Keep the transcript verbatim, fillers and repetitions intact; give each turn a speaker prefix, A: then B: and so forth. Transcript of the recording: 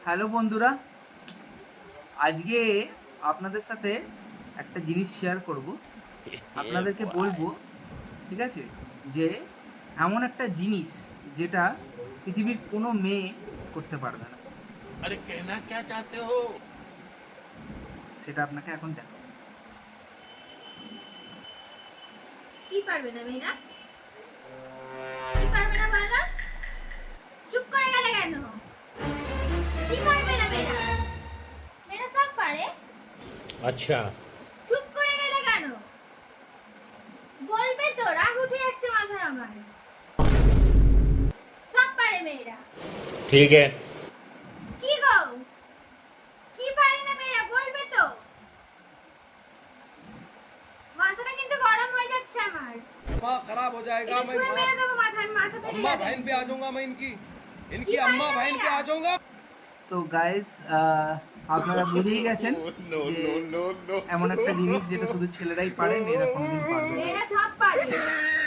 A: Hello বন্ধুরা, আজকে আপনাদের সাথে একটা জিনিস শেয়ার করব। আপনাদেরকে বলবো, ঠিক আছে, যে এমন একটা জিনিস যেটা পৃথিবীর কোনো মেয়ে করতে পারবে না।
B: अरे कहना क्या चाहते हो?
A: সেটা আপনাকে এখন দেখো।
C: কি পারবে না মেয়েরা? কি পারবে না বলো? চুপ করে গেলে কেন? কি পারবে না মেয়েরা? মেয়েরা সব পারে।
B: अच्छा
C: চুপ করে গেলে কেন? বলবে তো, রাগ উঠে যাচ্ছে মাথায় আমার। সব পারে মেয়েরা।
B: ठीक है।
C: কি গো? কি পারে না মেয়েরা বলবে তো? মাথাটা কিন্তু গরম হয়ে যাচ্ছে আমার।
D: अम्मा खराब हो जाएगा।
C: এটা
D: मैं
C: ছুঁড়ে মেরে
D: माँ-
C: দেবো माथाয়, माथा फेटे
D: अम्मा
C: যাবে।
D: बहन पे आ जाऊंगा मैं इनकी इनकी
C: की
D: अम्मा
C: पाएगा
D: बहन पे
C: मेरा?
D: आ जाऊंगा।
A: তো গাইস, আপনারা বুঝেই গেছেন যে এমন একটা জিনিস যেটা শুধু ছেলেরাই পারে, মেয়েরা কোনোদিন পারবে না।
C: মেয়েরা সব পারে।